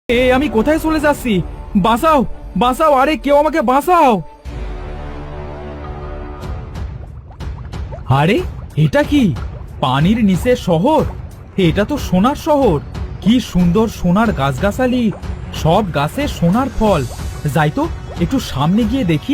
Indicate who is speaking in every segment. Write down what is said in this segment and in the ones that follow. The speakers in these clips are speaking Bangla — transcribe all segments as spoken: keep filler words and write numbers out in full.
Speaker 1: এ আমি কোথায় চলে যাচ্ছি? বাঁচাও, বাঁচাও, আরে কেউ আমাকে বাঁচাও। আরে এটা কি? পানির নিচে শহর? এটা তো সোনার শহর। কি সুন্দর সোনার গাছগাছালি, সব গাছে সোনার ফল। যাই তো একটু সামনে গিয়ে দেখি।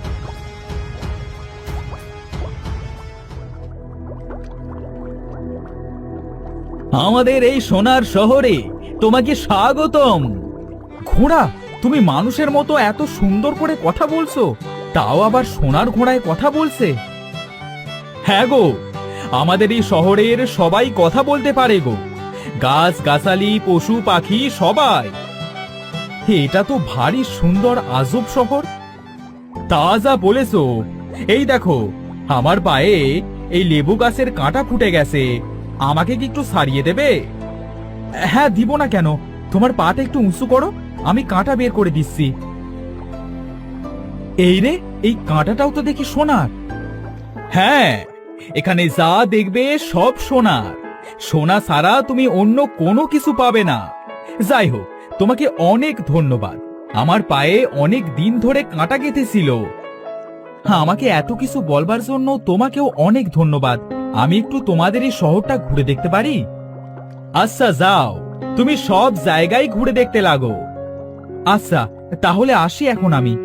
Speaker 1: আমাদের এই সোনার শহরে তোমাকে স্বাগতম। ঘোড়া, তুমি মানুষের মতো এত সুন্দর করে কথা বলছো, তাও আবার সোনার ঘোড়ায় কথা বলছে। হ্যাঁ গো, আমাদের এই শহরের সবাই কথা বলতে পারে গো, গাছ গাছালি পশু পাখি সবাই। এটা তো ভারী সুন্দর আজব শহর। তা যা বলেছো। এই দেখো, আমার পায়ে এই লেবু গাছের কাঁটা ফুটে গেছে, আমাকে কি একটু সারিয়ে দেবে? হ্যাঁ, দিব না কেন। তোমার পাটা একটু উঁচু করো, আমি কাঁটা বের করে দিচ্ছি। এই রে, এই কাঁটাটাও তো দেখি সোনার। হ্যাঁ, এখানে যা দেখবে সব সোনার। সোনা ছাড়া তুমি অন্য কোনো কিছু পাবে না। যাই হোক, তোমাকে অনেক ধন্যবাদ। আমার পায়ে অনেক দিন ধরে কাঁটা গেঁথেছিল। হ্যাঁ, আমাকে এত কিছু বলবার জন্য তোমাকেও অনেক ধন্যবাদ। আমি একটু তোমাদের এই শহরটা ঘুরে দেখতে পারি? আচ্ছা যাও, তুমি সব জায়গায় ঘুরে দেখতে লাগো। আচ্ছা, তাহলে আসি এখন আমি।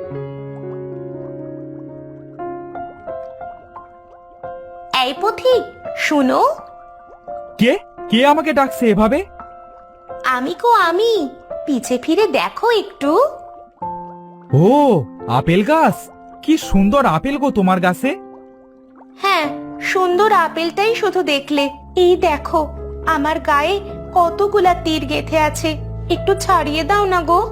Speaker 2: এই পথিক, শুনো।
Speaker 1: কে কে আমাকে ডাকছে এভাবে?
Speaker 2: আমি কো আমি, পিছে ফিরে দেখো একটু।
Speaker 1: ও, আপেল গাছ! কি সুন্দর আপেল গো তোমার গাছে।
Speaker 2: হ্যাঁ, সুন্দর আপেলটাই শুধু দেখলে। এই দেখো, আমার গায়ে কতগুলা তীর গেঁথে আছে, একটু ছাড়িয়ে দাও না গো।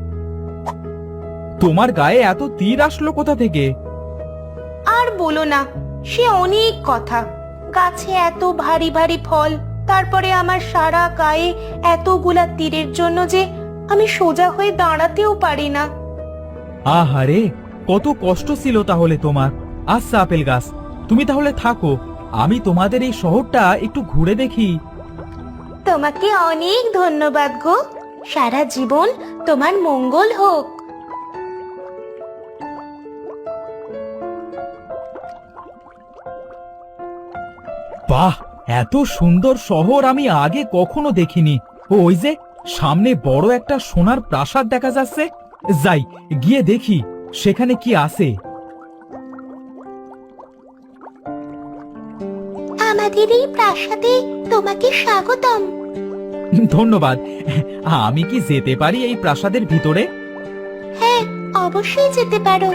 Speaker 1: তোমার গায়ে এত তীর আসলো কোথা থেকে?
Speaker 2: আর বলো না, সে অনেক কথা। গাছে এত ভারী ভারী ফল, তারপরে আমার সারা গায়ে এতগুলা তীরের জন্য যে আমি সোজা হয়ে দাঁড়াতেও পারি না।
Speaker 1: আহারে, কত কষ্ট ছিল তাহলে তোমার। আচ্ছা আপেল গাছ, তুমি তাহলে থাকো, আমি তোমাদের এই শহরটা একটু ঘুরে দেখি।
Speaker 2: তোমাকে অনেক ধন্যবাদ গো। সারা জীবন তোমার মঙ্গল হোক।
Speaker 1: বাহ, এত সুন্দর শহর আমি আগে কখনো দেখিনি। ও, ওই যে সামনে বড় একটা সোনার প্রাসাদ দেখা যাচ্ছে। যাই গিয়ে দেখি সেখানে কি আছে।
Speaker 2: আমাদের এই প্রাসাদে তোমাকে স্বাগতম।
Speaker 1: ধন্যবাদ। আমি কি যেতে পারি এই প্রাসাদের ভিতরে?
Speaker 2: হ্যাঁ, অবশ্যই যেতে পারো।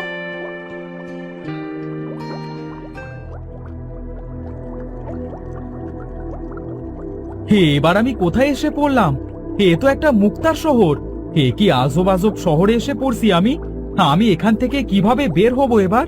Speaker 1: হে, এবার আমি কোথায় এসে পড়লাম? এ তো একটা মুক্তার শহর। এ কি আজব আজব শহরে এসে পড়ছি আমি। আমি এখান থেকে কিভাবে বের হব এবার?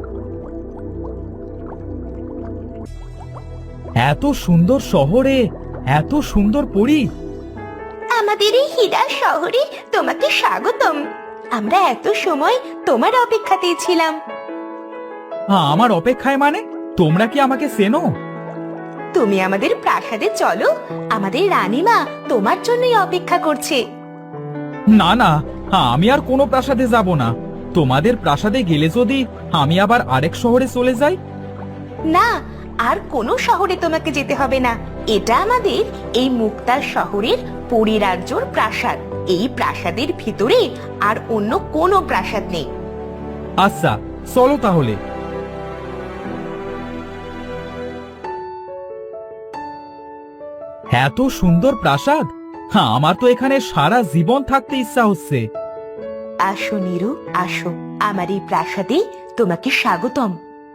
Speaker 1: এত সুন্দর শহরে এত সুন্দর পরী।
Speaker 2: আমাদের এই হীরা শহরে তোমাকে স্বাগতম। আমরা এত সময় তোমার অপেক্ষাতেই ছিলাম।
Speaker 1: আমার অপেক্ষায় মানে? তোমরা কি আমাকে চেনো?
Speaker 2: তুমি আমাদের প্রাসাদে চলো, আমাদের রানীমা তোমার জন্যই অপেক্ষা করছে।
Speaker 1: না না, আমি আর কোনো প্রাসাদে যাব না। তোমাদের প্রাসাদে গেলে যদি আমি আবার আরেক শহরে চলে যাই?
Speaker 2: না, আর কোনো শহরে তোমাকে যেতে হবে না। এটা আমাদের এই মুক্তার শহরের পরিরাজ্যর প্রাসাদ। এই প্রাসাদের ভিতরে আর অন্য কোনো প্রাসাদ নেই।
Speaker 1: আচ্ছা, চলো তাহলে। এত সুন্দর প্রাসাদ, হ্যাঁ, আমার তো এখানে সারা জীবন থাকতে ইচ্ছা হচ্ছে।
Speaker 2: আসো নীরু, আসো, আমার এই প্রাসাদে তোমাকে স্বাগতম।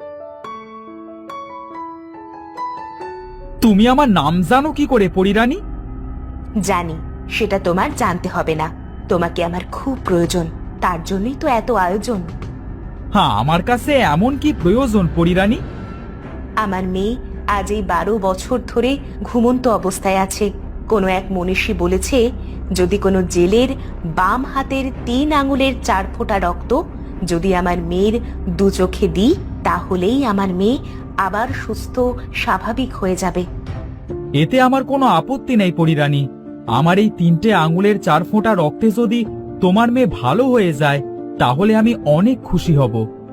Speaker 1: তুমি আমার নাম জানো কি করে পরিরানী?
Speaker 2: জানি, সেটা তোমার জানতে হবে না। তোমাকে আমার খুব প্রয়োজন, তার জন্যই তো এত আয়োজন।
Speaker 1: হ্যাঁ, আমার কাছে এমন কি প্রয়োজন পরিরানী?
Speaker 2: আমার মেয়ে আজ এই বারো বছর ধরে ঘুমন্ত অবস্থায় আছে। কোনো এক মনীষী বলেছে, যদি কোনো জেলের বাম হাতের তিন আঙুলের চার ফোঁটা রক্ত যদি আমার মেয়ের দু চোখে দিই, তাহলেই আমার মেয়ে আবার সুস্থ স্বাভাবিক হয়ে যাবে।
Speaker 1: এতে আমার কোনো আপত্তি নেই পরিরানী। আমার এই তিনটে আঙুলের চার ফোঁটা রক্তে যদি তোমার মেয়ে ভালো হয়ে যায় তাহলে আমি অনেক খুশি হব।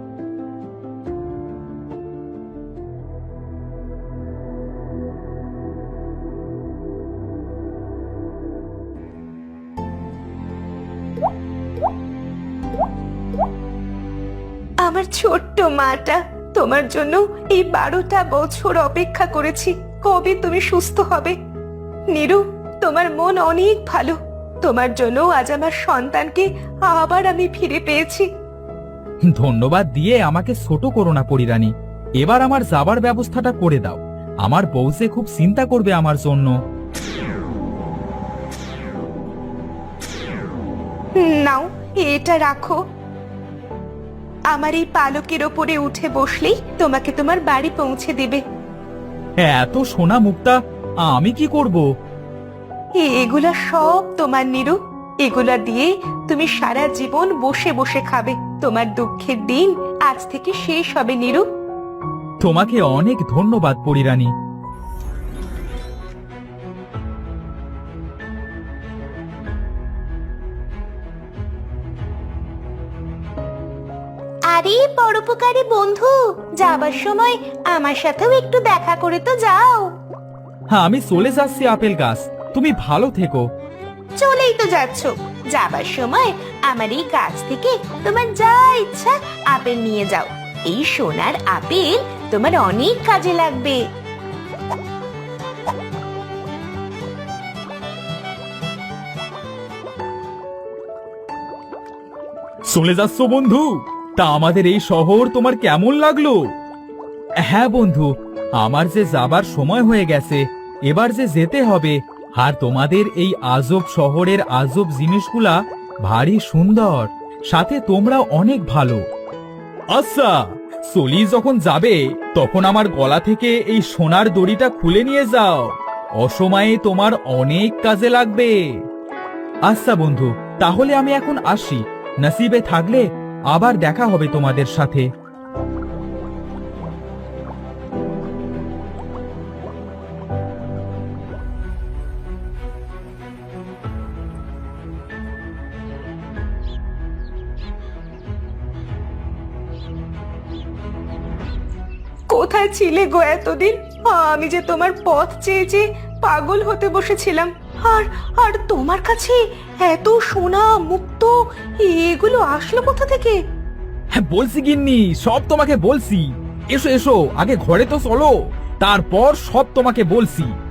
Speaker 2: আমার ছোট্ট মাটা, তোমার জন্য এই বারোটা বছর অপেক্ষা করেছি, কবে তুমি সুস্থ হবে। নীরু, তোমার মন অনেক ভালো, তোমার জন্য আজ আমার সন্তানকে আবার আমি ফিরে পেয়েছি।
Speaker 1: ধন্যবাদ দিয়ে আমাকে ছোট করো না পরিরানী, এবার আমার যাবার ব্যবস্থাটা করে দাও। আমার বউ যে খুব চিন্তা করবে আমার জন্য।
Speaker 2: নাও, এটা রাখো। আমার এই পালকের ওপরে উঠে বসলেই তোমাকে তোমার বাড়ি পৌঁছে দেবে।
Speaker 1: এত সোনা মুক্তা আমি কি করব?
Speaker 2: এগুলা সব তোমার নীরু, এগুলা দিয়ে তুমি সারা জীবন বসে বসে খাবে। তোমার দুঃখের দিন আজ থেকে শেষ হবে নীরু।
Speaker 1: তোমাকে অনেক ধন্যবাদ পরিরানী।
Speaker 2: আরে পরোপকারী বন্ধু, যাবার সময় আমার সাথেও একটু দেখা করে তো যাও।
Speaker 1: হ্যাঁ, আমি চলে যাচ্ছি আপেল গাছ, তুমি ভালো থেকো।
Speaker 2: চলেই তো যাচ্ছ, যাবার সময় আমার এই গাছ থেকে তোমার যা ইচ্ছা আপেল নিয়ে যাও। এই সোনার আপেল তোমার অনেক কাজে লাগবে।
Speaker 1: চলে যাচ্ছ বন্ধু? তা আমাদের এই শহর তোমার কেমন লাগলো? হ্যাঁ বন্ধু, আমার যে যাবার সময় হয়ে গেছে, এবার যে যেতে হবে। আর তোমাদের এই আজব শহরের আজব জিনিসগুলা ভারী সুন্দর, সাথে তোমরা অনেক ভালো। আচ্ছা, চলি যখন যাবে তখন আমার গলা থেকে এই সোনার দড়িটা খুলে নিয়ে যাও, অসময়ে তোমার অনেক কাজে লাগবে। আচ্ছা বন্ধু, তাহলে আমি এখন আসি, নসিবে থাকলে আবার দেখা হবে তোমাদের সাথে।
Speaker 2: কোথায় ছিলে গো এতদিন? আমি যে তোমার পথ চেয়ে চেয়ে পাগল হতে বসেছিলাম। আর আর তোমার কাছে এত সোনা মুক্ত এগুলো আসলো কোথা থেকে?
Speaker 1: হ্যাঁ বলছি গিন্নি, সব তোমাকে বলছি। এসো এসো, আগে ঘরে তো চলো, তারপর সব তোমাকে বলছি।